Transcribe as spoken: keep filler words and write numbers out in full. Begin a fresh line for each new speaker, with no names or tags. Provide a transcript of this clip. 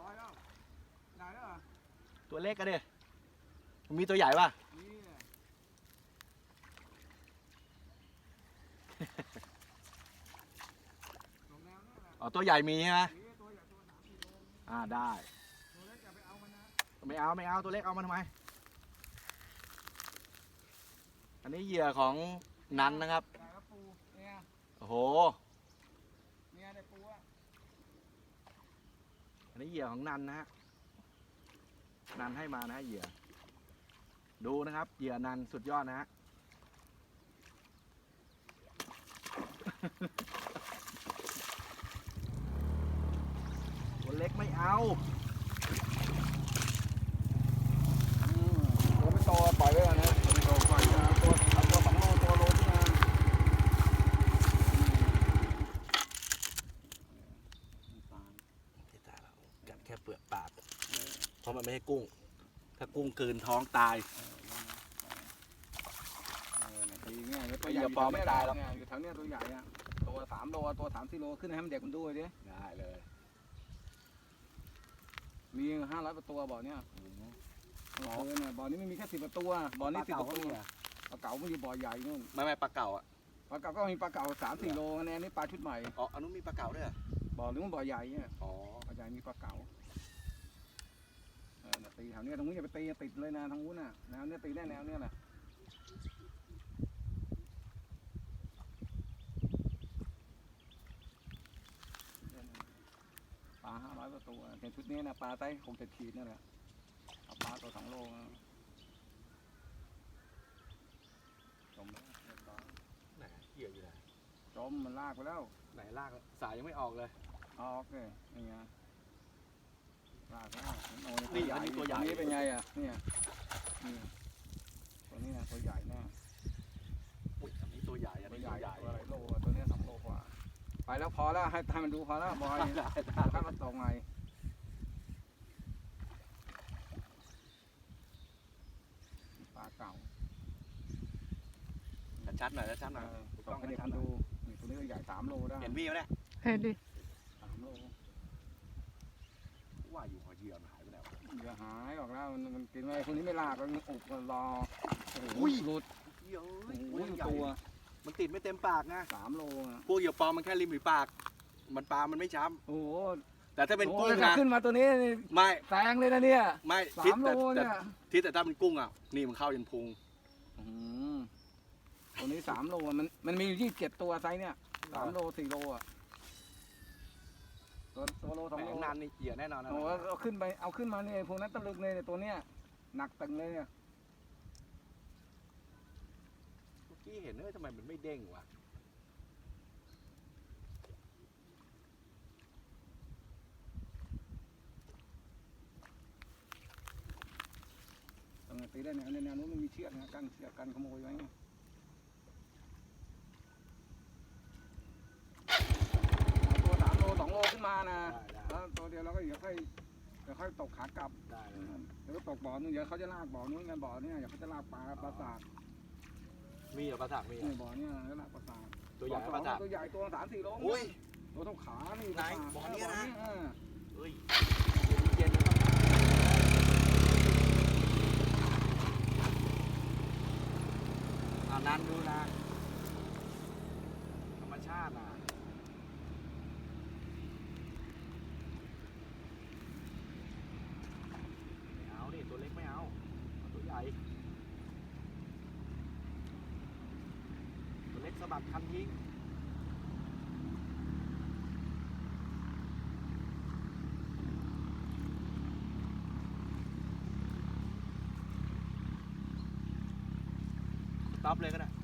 อยแล้วได้แล้วเหรอ
ตัวเล็กกันดิมีตัวใหญ่ป่ะ
นี่ลงแนวนี่แหละ
อ๋อตัวใหญ่มีใช่ไหม
นี่ตัวใหญ่ตัวสามสี่โล
อ่าได้
ตัวเล็กอย่าไปเอามันนะ
ไม่เอาไม่เอาตัวเล็กเอามาทำไมอันนี้เหยื่อของนันนะครับ
ได้แล้วปูเนี่ย
โอ้โห
เนี่ยได้ปูอ่ะ
อันนี้เหยื่อของนันนะฮะนันให้มานะฮะเหยื่อดูนะครับเหยื่อนันสุดยอดนะฮะ ตัวเล็กไม่เอา
ตัวไม่โตปล่อยไว้ก่อนนะตัวไม่โตปล่อยเอาตัวเอาตัวสองโลตัวโลขึ้นมา
ตายแล้วกัดแค่เปลือกปากเพราะมันไม่ใช่กุ้ง ถ้ากุ้งกลืนท้องตาย
ตีเงี้ยตัวใหญ่ปอไม่ตายหรอกอยู่แถวเนี้ยตัวใหญ่อะตัวสามโลตัวสามสี่โลขึ้นให้มันเด็กมันดูดิ
ได้เลย
มีห้าร้อยประตูบ่อเนี้ยเออเนี่ยบ่อนี้ไม่มีแค่สิบประตูบ่อนี้สิบประตูปลาเก๋ามันอยู่บ่อใหญ่นู่น
ไม่ไม่ปลาเก่าอ่ะ
ปลาเก๋าก็มีปลาเก๋าสามสี่โลคะแนนนี่ปลาชุดใหม่
อ๋ออันนู้นมีปลาเก่าด้วยเหรอ
บ่อนึงมันบ่อใหญ่เนี่ย
อ๋อ
บ่อใหญ่มีปลาเก๋าเออตีแถวเนี้ยตรงนี้อย่าไปตีติดเลยนะทางนู้นน่ะแนวเนี้ยตีแน่แนวเนี้ยแหละปลาห้าร้อยประตูในชุดนี้นะปลาไซส์หกเจ็ดขีดนั่นแหละเอาปลาตัวสองโลจมแล้วเรียบร้อย
ไหนเหยื่ออยู่ไหน
จมมันลากไปแล้ว
ไหนลากสายยังไม่ออกเลย
ออกเลยนี่ไงลากแล้วโอ้
นี่อันนี้ตัวใหญ่
นี้เป็นไงอ่ะเนี่ยนี่ตัวนี้นะตัวใหญ่แน่
อุ้ยอันนี้ตัวใหญ่อัน
ตัว
นี้
ให
ตั
ญ่
วใหญ่
ตัวอะไรโลอะตัวนี้สองโลกว่าไปแล้วพอแล้วให้ให้มันดูพอแล้วบอย
ได้ได้
ถ้ามันตกไงปลาเก่า
ชัดๆหน่อยชัดๆหน่อย
ต้องให้เด็กมันดูนี่ตัวนี้ก็ใหญ่สามโลได้
เห็นพี่ไหมเนี่ย
เห็นดิ
สามโล
ว่าอยู่หัวเหยื่อมันหายไปแล้ว
อย่าหายออกแล้วมันมันกินไว้คนนี้ไม่ลากมันอุบมันรอโอ้โห
อุ้ย
หลุด
เยอะ
โอ้โห
ใหญ่
ตัว
มันติดไม่เต็มปากนะ
สามโลอ่ะ
พวกเหยื่อปลอมมันแค่ริมฝีปาก มันปลามันไม่ช้
โอ้โห
ำแต่ถ้าเป็นกุ้ง
โอ้ยถ้า
นะ
ขึ้นมาตัวนี้นี่
ไม่
แซงเลยนะเนี่ย
ไม่
สา
ทิศ
มโล
แต่แต่
เนี่ย
ทิศแต่ถ้าเป็นกุ้งอ่ะนี่มันเข้ายันพุง
อืมตัวนี้สามโลอะมันมันมีอยู่ยี่สิบเจ็ดตัวไซส์เนี่ยสามโลสี่โลอ่ะตัวตัวโลสอง
แห
โล
มนานนี่เหยื่อแน่นอนนะ
โอ้โหเอาขึ้นไปเอาขึ้นมาเนี่ยพวกนั้นตะลึกเลยเนี่ยตัวเนี้ยหนักตึงเลยเนี่ย
เมื่อกี้เห็นเอ้ยทำไมมันไม่เด้งวะ
ตรงนี้ตีได้แนวในแนวนู้นมันมีเชือกนะกั้นเชือกกันขโมยไว้เนี่ยเอาตัวสามโลสองโลขึ้นมานะ
ได้ได้
แล้วตัวเดียวเราก็เดี๋ยวค่อยเดี๋ยวค่อยตกขากลับ
ได้เลย
เดี๋ยวก็ตกบ่อนึงเดี๋ยวเขาจะลากบ่อนู้นกันบ่อเนี่ยเดี๋ยวเขาจะลากปลาปลาสาก
มีเหรอปลาสักมีเหร
นี่
อ
บ่อเนี่ยแล้วลากปลาสาก
ตัวใหญ่
บ่อ
ปลาสัก
ตัวใหญ่ตัวสามสี่โล
อุ้ย
ตัวเท่าขานี่
ไหน
ปลาสาก
บ่อเนี่ยนะ
เออ
เฮ้ยเย็นนะครับอ่านันดูนะธรรมชาติอ่ะไม่เอาดิตัวเล็กไม่เอาเอาตัวใหญ่ตัวเล็กสะบัดคันยิงต็อปเลยก็ได้